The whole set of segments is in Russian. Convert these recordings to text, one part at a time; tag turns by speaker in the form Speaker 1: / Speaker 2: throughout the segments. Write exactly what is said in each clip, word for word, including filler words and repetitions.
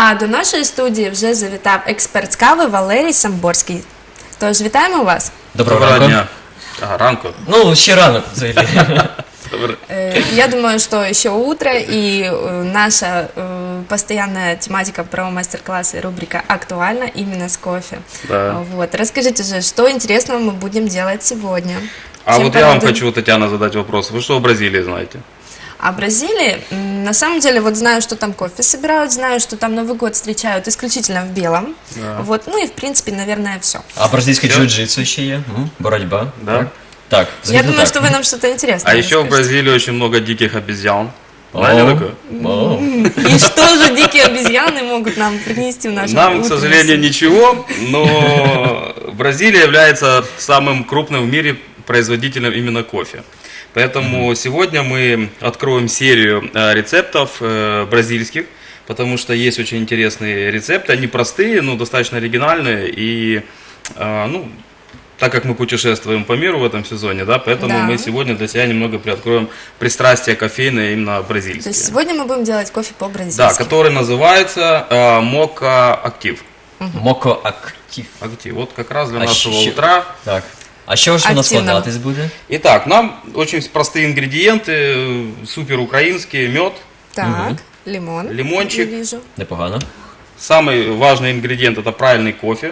Speaker 1: А до нашої студії вже завітав експерт з кави Валерій Самборський. Тож, вітаємо вас.
Speaker 2: Доброго
Speaker 3: Доброго
Speaker 2: ранку.
Speaker 3: дня. Ага, ранку.
Speaker 2: Ну, ще ранок, взагалі.
Speaker 3: Добрый.
Speaker 1: Э, Я думаю, что еще утро, и э, наша э, постоянная тематика про мастер-классы, рубрика актуальна именно с кофе.
Speaker 3: Да.
Speaker 1: Вот. Расскажите же, что интересного мы будем делать сегодня?
Speaker 3: А
Speaker 1: Чем
Speaker 3: вот я вам
Speaker 1: порадуем?
Speaker 3: хочу, Татьяна, задать вопрос. Вы что о Бразилии знаете?
Speaker 1: А Бразилии, м, на самом деле, вот знаю, что там кофе собирают, знаю, что там Новый год встречают исключительно в белом.
Speaker 3: Да.
Speaker 1: Вот. Ну и, в принципе, наверное, все.
Speaker 2: А бразильське
Speaker 3: Всё?
Speaker 2: джиу-джитсу ще є? М? Боротьба?
Speaker 3: Да.
Speaker 2: Так. Так,
Speaker 1: Я
Speaker 2: взагалі
Speaker 1: думаю,
Speaker 2: так.
Speaker 1: что вы нам что-то интересное
Speaker 3: А еще в
Speaker 1: расскажете.
Speaker 3: Бразилии очень много диких обезьян.
Speaker 2: О,
Speaker 3: Знаете такое?
Speaker 2: о.
Speaker 1: И что же дикие обезьяны могут нам принести в нашу
Speaker 3: Нам, к
Speaker 1: утреннюю
Speaker 3: сожалению, ничего, но Бразилия является самым крупным в мире производителем именно кофе. Поэтому сегодня мы откроем серию э, рецептов э, бразильских, потому что есть очень интересные рецепты. Они простые, но достаточно оригинальные. И, э, ну, так как мы путешествуем по миру в этом сезоне, да, поэтому
Speaker 1: Да.
Speaker 3: мы сегодня для себя немного приоткроем пристрастие кофейное именно бразильские.
Speaker 1: То есть сегодня мы будем делать кофе
Speaker 3: Да,
Speaker 1: по-бразильски.
Speaker 3: который называется э, Мока Актив.
Speaker 2: Моко актив.
Speaker 3: Актив. Вот как раз для
Speaker 2: А
Speaker 3: нашего
Speaker 2: ще-
Speaker 3: утра.
Speaker 2: Так. А що ж воно
Speaker 1: Активно.
Speaker 2: складатись буде?
Speaker 3: Итак, нам очень простые ингредиенты, э, супер украинские, мед,
Speaker 1: Так, лимон.
Speaker 3: Лимончик.
Speaker 1: Я вижу.
Speaker 2: Непогано.
Speaker 3: самый важный ингредиент это правильный кофе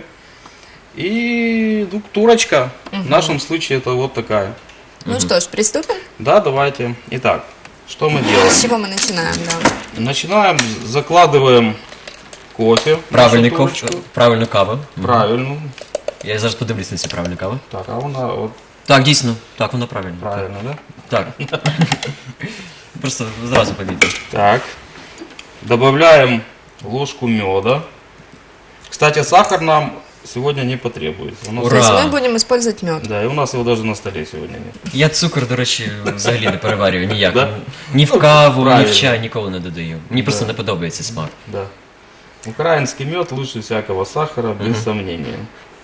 Speaker 3: и ну, турочка. В нашем случае это вот такая.
Speaker 1: Ну что ж, приступим.
Speaker 3: Да, давайте. Итак, что мы
Speaker 1: С
Speaker 3: делаем?
Speaker 1: чего мы начинаем, да?
Speaker 3: Начинаем, закладываем кофе. в
Speaker 2: Правильний
Speaker 3: нашу
Speaker 2: кофе,
Speaker 3: турочку.
Speaker 2: правильну каву.
Speaker 3: Правильно.
Speaker 2: Я зараз подивлюсь на цю правильну каву.
Speaker 3: Так, а вона вот
Speaker 2: Так, дійсно. Так, вона правильна.
Speaker 3: правильно, да?
Speaker 2: Так. Просто зразу помітив.
Speaker 3: Так. Добавляем ложку меда. Кстати, сахар нам сегодня не потребуется. У нас-
Speaker 2: Ура!
Speaker 1: То есть мы будем использовать мед.
Speaker 3: Да, и у нас его даже на столе сегодня нет.
Speaker 2: Я цукор, до речі, взагалі не переварюю ніяк.
Speaker 3: Да?
Speaker 2: Ні в каву, ні
Speaker 3: Правильно.
Speaker 2: в чай ніколи не додаю. Мені просто
Speaker 3: Да.
Speaker 2: не подобається смак.
Speaker 3: Да. Украинский мед лучше всякого сахара, без сомнения.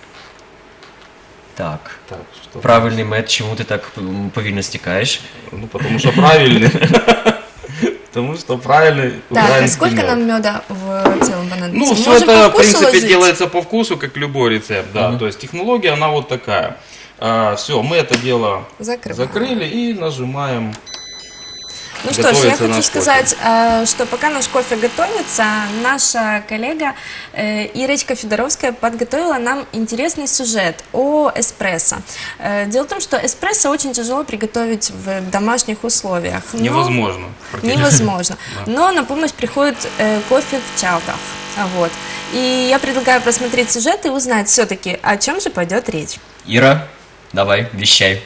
Speaker 2: Так.
Speaker 3: Так, что?
Speaker 2: Правильний мед, чому ти так м, повільно стікаєш?
Speaker 3: Ну, потому что правильный. Потому что правильный
Speaker 1: Так, а
Speaker 3: украинский
Speaker 1: сколько
Speaker 3: мед.
Speaker 1: нам меда в целом понадобится?
Speaker 3: Ну,
Speaker 1: Мы
Speaker 3: все
Speaker 1: можем
Speaker 3: это,
Speaker 1: по
Speaker 3: в
Speaker 1: вкусу
Speaker 3: принципе,
Speaker 1: ложить?
Speaker 3: делается по вкусу, как любой рецепт, да. То есть технология, она вот такая. все, мы это дело
Speaker 1: Закрываем.
Speaker 3: закрыли и нажимаем.
Speaker 1: Ну что ж, я
Speaker 3: готовится
Speaker 1: хочу
Speaker 3: наш
Speaker 1: сказать, э, что пока наш кофе готовится, наша коллега э, Ирочка Федоровская подготовила нам интересный сюжет о эспрессо. Э, Дело в том, что эспрессо очень тяжело приготовить в домашних условиях. но-
Speaker 3: Невозможно. практически.
Speaker 1: Невозможно. Но на помощь приходит э, кофе в чалках. А Вот. И я предлагаю просмотреть сюжет и узнать все-таки, о чем же пойдет речь.
Speaker 2: Іра, давай, віщай.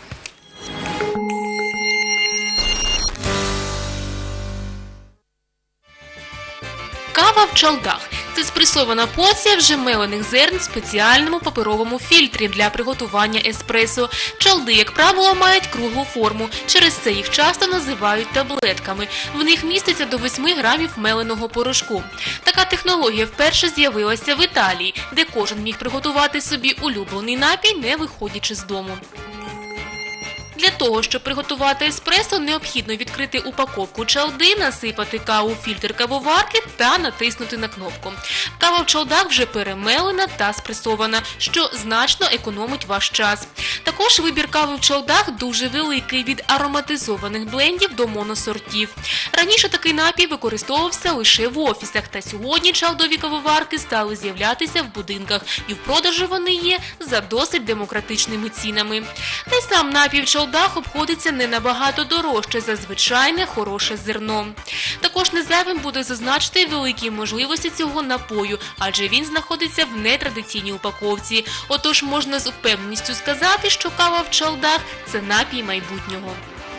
Speaker 4: Кава в чалдах – це спресована порція вже мелених зерн в спеціальному паперовому фільтрі для приготування еспресо. Чалди, як правило, мають круглу форму, через це їх часто називають таблетками. В них міститься до восьми грамів меленого порошку. Така технологія вперше з'явилася в Італії, де кожен міг приготувати собі улюблений напій, не виходячи з дому. Для того, щоб приготувати еспресо, необхідно відкрити упаковку чалди, насипати каву в фільтр кавоварки та натиснути на кнопку. Кава в чалдах вже перемелена та спресована, що значно економить ваш час. Також вибір кави в чалдах дуже великий, від ароматизованих блендів до моносортів. Раніше такий напій використовувався лише в офісах, та сьогодні чалдові кавоварки стали з'являтися в будинках, і в продажу вони є за досить демократичними цінами. Та й сам напій в чалдах обходиться не набагато дорожче за звичайне хороше зерно. Також не зайвим буде зазначити великі можливості цього напою, адже він знаходиться в нетрадиційній упаковці. Отож можна з впевненістю сказати, що кава в чалдах – це напій майбутнього.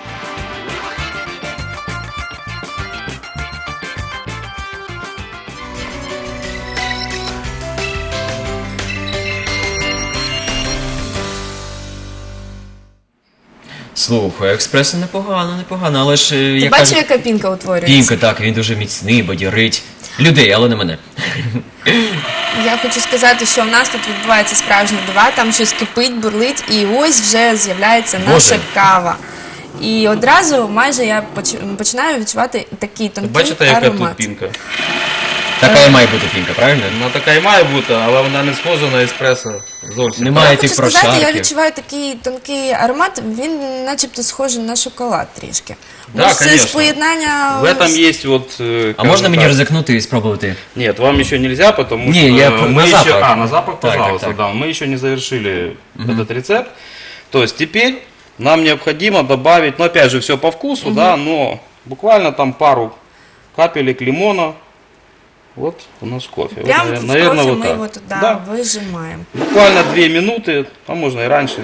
Speaker 2: Слухай, експресо непогано, непогано, але ж, е,
Speaker 1: Ти
Speaker 2: як
Speaker 1: бачиш,
Speaker 2: кажуть,
Speaker 1: яка пінка утворюється?
Speaker 2: пінка, так, він дуже міцний, бадьорить. Людей, але не мене.
Speaker 1: Я хочу сказати, що в нас тут відбувається справжні дива, там щось кипить, бурлить, і ось вже з'являється наша
Speaker 2: Боже.
Speaker 1: кава. І одразу майже я поч- починаю відчувати такий тонкий
Speaker 3: Бачите, яка
Speaker 1: аромат.
Speaker 3: тут пінка?
Speaker 2: Така і має бути пінка, правильно?
Speaker 3: Ну, така і має бути, але вона не схожа на еспресо зовсім.
Speaker 2: Немає
Speaker 1: Я хочу
Speaker 2: тих
Speaker 1: сказати, я
Speaker 2: прошарків.
Speaker 1: відчуваю такий тонкий аромат, він начебто схожий на шоколад трішки.
Speaker 3: Да,
Speaker 1: Може, це
Speaker 3: конечно.
Speaker 1: поєднання...
Speaker 3: В этом есть вот... э,
Speaker 2: А
Speaker 3: скажем
Speaker 2: можна мені
Speaker 3: так,
Speaker 2: ризикнути і спробувати?
Speaker 3: Нет, вам еще нельзя, потому
Speaker 2: Не,
Speaker 3: что
Speaker 2: я
Speaker 3: мы
Speaker 2: на
Speaker 3: еще...
Speaker 2: запах.
Speaker 3: А, на запах,
Speaker 2: Так, так,
Speaker 3: пожалуйста,
Speaker 2: так.
Speaker 3: да. Мы еще не завершили этот рецепт. То есть теперь нам необходимо добавить, ну опять же, все по вкусу, да, но буквально там пару капелек лимона. Вот у нас кофе. Вот,
Speaker 1: Прямо
Speaker 3: навер-
Speaker 1: в
Speaker 3: наверное,
Speaker 1: кофе
Speaker 3: вот
Speaker 1: мы
Speaker 3: так.
Speaker 1: его туда
Speaker 3: Да.
Speaker 1: выжимаем.
Speaker 3: Буквально две минуты, а можно и раньше.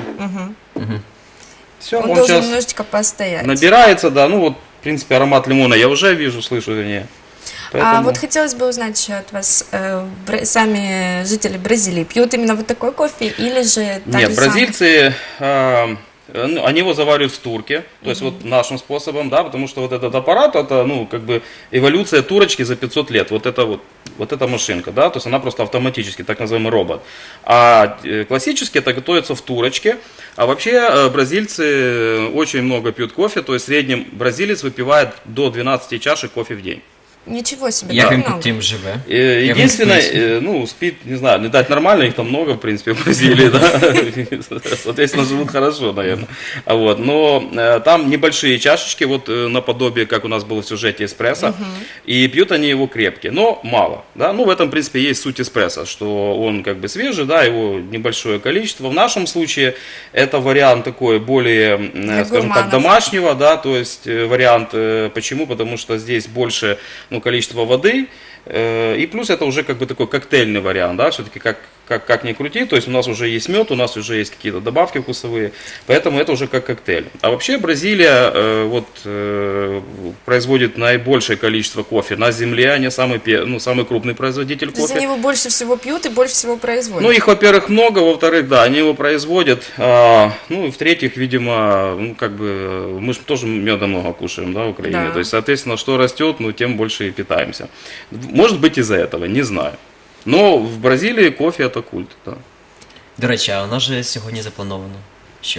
Speaker 3: Все,
Speaker 1: Он
Speaker 3: он,
Speaker 1: должен
Speaker 3: сейчас
Speaker 1: немножечко постоять.
Speaker 3: набирается, да, ну вот, в принципе, аромат лимона я уже вижу, слышу, вернее.
Speaker 1: А
Speaker 3: Поэтому-
Speaker 1: вот хотелось бы узнать еще от вас, э, бра- сами жители Бразилии пьют именно вот такой кофе или же так
Speaker 3: Нет,
Speaker 1: же самое?
Speaker 3: бразильцы, а, ну, они его заваривают в турке, то есть вот нашим способом, да, потому что вот этот аппарат, это, ну, как бы эволюция турочки за пятьсот лет, вот это вот, вот эта машинка, да, то есть она просто автоматически, так называемый робот. А э, классически это готовится в турочке, а вообще э, бразильцы очень много пьют кофе, то есть в среднем бразилец выпивает до двенадцати чашек кофе в день.
Speaker 1: Ничего себе,
Speaker 2: Як
Speaker 1: так
Speaker 2: він
Speaker 1: много.
Speaker 2: потім живе?
Speaker 3: Э,
Speaker 2: Як він
Speaker 3: Единственное,
Speaker 2: спить?
Speaker 3: э, ну, спит, не знаю, не дать нормально, их там много, в принципе, в Бразилии, да, соответственно, живут хорошо, наверное. А вот, но э, там небольшие чашечки, вот э, наподобие, как у нас было в сюжете эспрессо, и пьют они его крепкие, но мало, да, ну, в этом, в принципе, есть суть эспрессо, что он как бы свежий, да, его небольшое количество. В нашем случае это вариант такой более, э,
Speaker 1: Для
Speaker 3: скажем так,
Speaker 1: гурманов.
Speaker 3: домашнего, да, то есть э, вариант, э, почему? Потому что здесь больше, ну, количество воды, э, и плюс это уже как бы такой коктейльный вариант, да, все-таки как, как, как ни крути, то есть у нас уже есть мед, у нас уже есть какие-то добавки вкусовые, поэтому это уже как коктейль. А вообще Бразилия э, вот, э, производит наибольшее количество кофе на земле, они самый, пе- ну, самый крупный производитель
Speaker 1: То есть
Speaker 3: кофе.
Speaker 1: они его больше всего пьют и больше всего производят.
Speaker 3: Ну, их, во-первых, много, во-вторых, да, они его производят, а, ну, и в-третьих, видимо, ну, как бы, мы же тоже меда много кушаем, да, в Украине,
Speaker 1: Да.
Speaker 3: то есть, соответственно, что растет, ну, тем больше и питаемся. Может быть, из-за этого, не знаю. Но в Бразилии кофе это культ, да.
Speaker 2: До речі, а у нас же сьогодні заплановано. Що?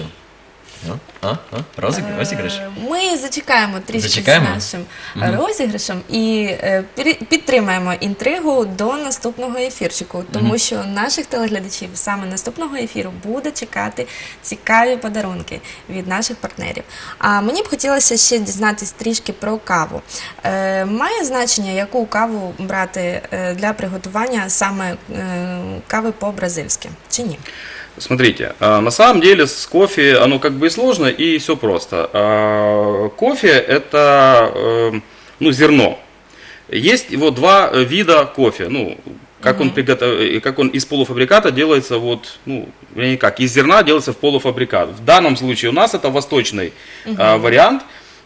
Speaker 2: А? А? А? Розіграш? Розіграш?
Speaker 1: Е, Ми зачекаємо трішки
Speaker 2: Зачекаємо?
Speaker 1: з нашим е, розіграшем і е, пір- підтримаємо інтригу до наступного ефірчику, тому що наших телеглядачів саме наступного ефіру буде чекати цікаві подарунки від наших партнерів. А мені б хотілося ще дізнатись трішки про каву. Е, Має значення, яку каву брати е, для приготування саме е, кави по-бразильськи, чи ні?
Speaker 3: Смотрите, а, на самом деле с кофе оно как бы и сложно, и все просто. А, Кофе это э, ну, зерно. Есть его два э, вида кофе. Ну, как он, приготов... как он из полуфабриката делается, вот, ну, вернее как, из зерна делается в полуфабрикат. В данном случае у нас это восточный а, вариант.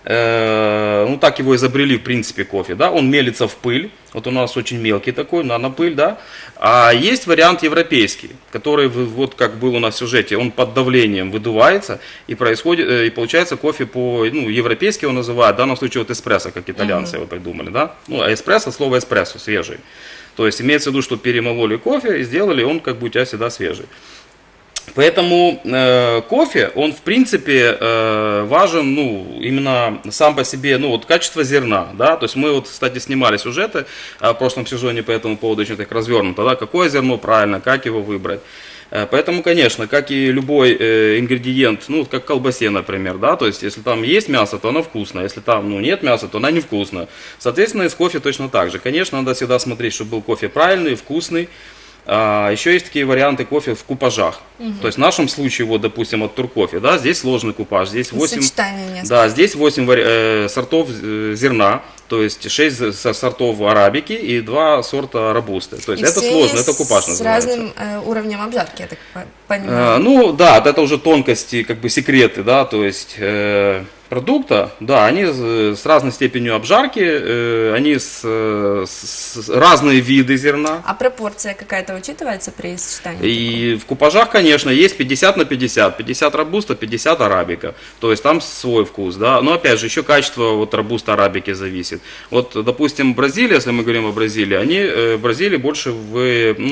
Speaker 3: Э, ну, так его изобрели, в принципе, кофе, да, он мелится в пыль, вот у нас очень мелкий такой, нанопыль, да, а есть вариант европейский, который, вы- вот как был у нас в сюжете, он под давлением выдувается, и происходит, э, и получается кофе по, ну, европейский его называют, в данном случае вот эспрессо, как итальянцы его придумали, да, ну, а эспрессо, слово эспрессо, свежий, то есть имеется в виду, что перемололи кофе и сделали, он как бы у тебя всегда свежий. Поэтому э, кофе, он в принципе э, важен, ну, именно сам по себе, ну, вот качество зерна, да, то есть мы вот, кстати, снимали сюжеты э, в прошлом сезоне по этому поводу очень так развернуто, да, какое зерно правильно, как его выбрать. Э, Поэтому, конечно, как и любой э, ингредиент, ну, как в колбасе, например, да, то есть если там есть мясо, то оно вкусное, если там, ну, нет мяса, то она невкусная. Соответственно, и с кофе точно так же. Конечно, надо всегда смотреть, чтобы был кофе правильный, вкусный. А, еще есть такие варианты кофе в купажах. То есть в нашем случае, вот, допустим, от Туркофе, да, здесь сложный купаж, здесь восемь,
Speaker 1: Сочетание несколько.
Speaker 3: да, здесь восемь вари- э, сортов э, зерна, то есть шесть за- со- сортов арабики и два сорта робусты. То есть
Speaker 1: И
Speaker 3: это
Speaker 1: все
Speaker 3: сложно, это купаж
Speaker 1: с
Speaker 3: называется.
Speaker 1: разным э, уровнем обжарки, я так по-
Speaker 3: Э,
Speaker 1: понимаю.
Speaker 3: ну да, это уже тонкости, как бы секреты, да, то есть э, продукта, да, они с с разной степенью обжарки, э, они с, э, с- с- разные виды зерна.
Speaker 1: А пропорция какая-то учитывается при сочетании?
Speaker 3: И в купажах, конечно, есть пятьдесят на пятьдесят, пятьдесят робуста, пятьдесят арабика, то есть там свой вкус, да, но опять же еще качество вот робуста арабики зависит. Вот, допустим, Бразилия, если мы говорим о Бразилии, они, э, в Бразилии больше в, ну,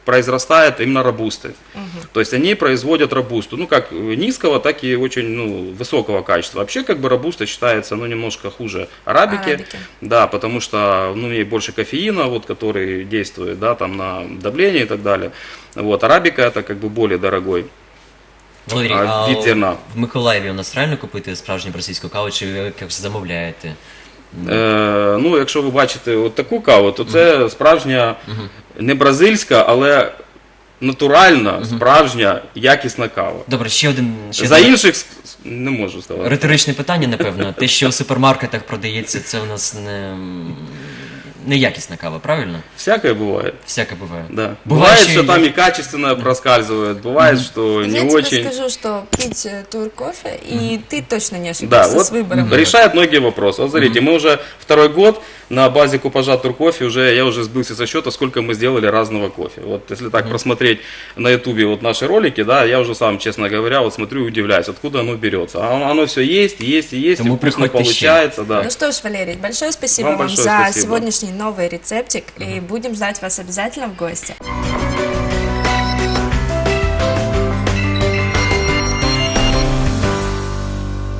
Speaker 3: произрастает именно робусты. То есть они производят робусту, ну как низкого, так и очень ну, высокого качества. Вообще как бы робуста считается ну, немножко хуже арабики,
Speaker 1: Арабики.
Speaker 3: да, потому что ну, в ней больше кофеина, вот, который действует да, там, на давление и так далее. Вот, арабика это как бы более дорогой.
Speaker 2: Валерій,
Speaker 3: А,
Speaker 2: а
Speaker 3: від зерна.
Speaker 2: в Миколаєві у нас реально купити справжню бразильську каву, чи ви якось замовляєте?
Speaker 3: Е, ну, якщо ви бачите от таку каву, то це справжня, не бразильська, але натуральна, справжня, якісна кава.
Speaker 2: Добре, ще один ще
Speaker 3: За
Speaker 2: одне
Speaker 3: інших с- не можу сказати.
Speaker 2: риторичне питання, напевно. Те, що в супермаркетах продається, це у нас не, не якісна кава, правильно?
Speaker 3: Всякое бывает.
Speaker 2: Всяке буває.
Speaker 3: Да.
Speaker 2: Бывает,
Speaker 3: Бывает,
Speaker 2: что
Speaker 3: что
Speaker 2: и-
Speaker 3: там и качественно проскальзывает, бывает, что
Speaker 1: Я
Speaker 3: не
Speaker 1: тебе
Speaker 3: очень.
Speaker 1: скажу, что пить э, тур кофе, и ты точно не
Speaker 3: Да,
Speaker 1: ошибешься
Speaker 3: вот
Speaker 1: с выбором.
Speaker 3: решает многие вопросы. Вот смотрите, мы уже второй год на базе купажа Туркофе, уже, я уже сбился со счета, сколько мы сделали разного кофе. Вот если так просмотреть на ютубе вот наши ролики, да, я уже сам, честно говоря, вот смотрю и удивляюсь, откуда оно берется. А оно, оно все есть, есть и есть,
Speaker 2: Тому
Speaker 3: и вкусно
Speaker 2: приходьте ще.
Speaker 3: получается, да.
Speaker 1: Ну что ж, Валерий, большое спасибо
Speaker 3: Вам
Speaker 1: вам,
Speaker 3: большое
Speaker 1: за
Speaker 3: спасибо.
Speaker 1: сегодняшний новый рецептик, и будем ждать вас обязательно в гости.